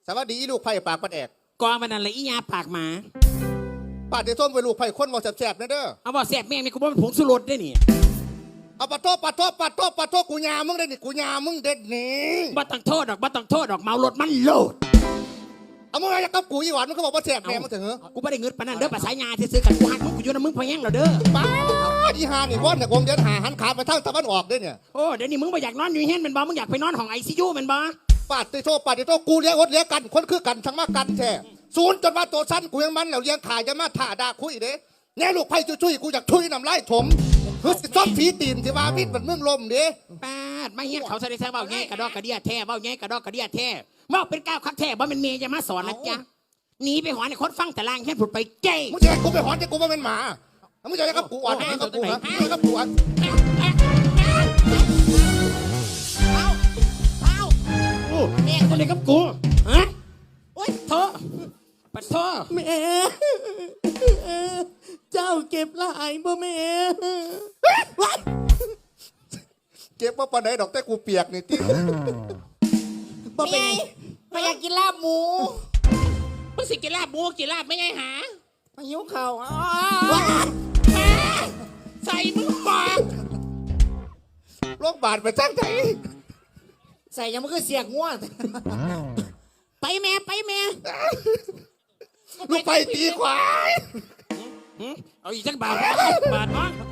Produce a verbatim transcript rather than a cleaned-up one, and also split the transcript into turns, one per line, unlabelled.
สวัสดีลูกไผ่ปากปัดแอก
กองมันนั่นเลยอียาปากหมา
ปาดเดี๋ยวส้มไปลูกไผ่คนบอกแสบๆนะเด้อ
เอาบอกแสบแม่งนี่กูบอกเป็นผงสุรสได้นี่
เอาปะโทษปะโทษปะโทษปะโทษกูยามึงได้นี่กูยามึงเด็ดนี่
บ่ต้องโทษดอกบ่ต้องโทษดอกเมารถมันโลด
เอามึงอะไรกับกูอีหวานมึงก็บอกว่าแสบแม่มึงถึงเหรอ
กูไม่ได้เงินปานนั้นเด้อภาษายาที่ซื้อกันกูหักมึงกูอยู่นะมึงพอแย่งเราเด้อ
ป้าอีหานี่ว่อนเนี่ยคงจะหาหันขาไปทางตะวันออกด้วยเนี่ย
โอ้เดี๋ยวนี้มึงไม่อยากนอนอยู่เฮียนเป็นบ่มึงอยากไปนอนห้องไอซียูเป็นบ่
ปาดติโทษปาดติโทษกูเลี้ยงอดเลี้ยงกันคนคือกันทั้งมากันแท้ศูนย์จนมาตัวสั้นกูยังมันแล้วเลี้ยงขายจะมาถ่าด่าคุยเด้แน่ลูกไผ่ช่วยๆกูอยากช่วยน้ำลายถมเฮ้ยซ้อมฝีตีนที่ว่าพิษมันเมืองลมเด้
ปาดมาเฮียนเขาแสดงเบ้าแง่กระดอกกระเดียแท้เบ้าแง่กระดอกกระเดียแท้เบ้าเป็นก้าวคักแท้บ่เป็นเมย์จะมาสอนนะจ๊ะหนีไปหอนในคนฟังแต่ลางแค่ผุดไปเจ้
มึงจะกูไปหอนจะกูว่าเป็นหมามึงจะกับกูอ่อนมึงกับกูนะมึงกับกูอ่อน
เอาเอาโอ้แม่คนไหนกับกูฮะโอ๊ยโทษปัดโทษ
แม่เจ้าเก็บลายบ่แม่
เก็บว่าปานไหนดอกแต่กูเปียกนี่ที่
บ่เป็น
พยากินลาบหมู
มึงสิกินลาบหมูกินลาบไม่ไงหา
พายุเข่า
ใส่มึงปาก
โรคบาดไปจ้างใจ
ใส่ยังมันก็เสียกง่วง
ไปแม่ไปแม่
ลูกไปตีควาย
เอาอีกสักบาทบาทมั้ง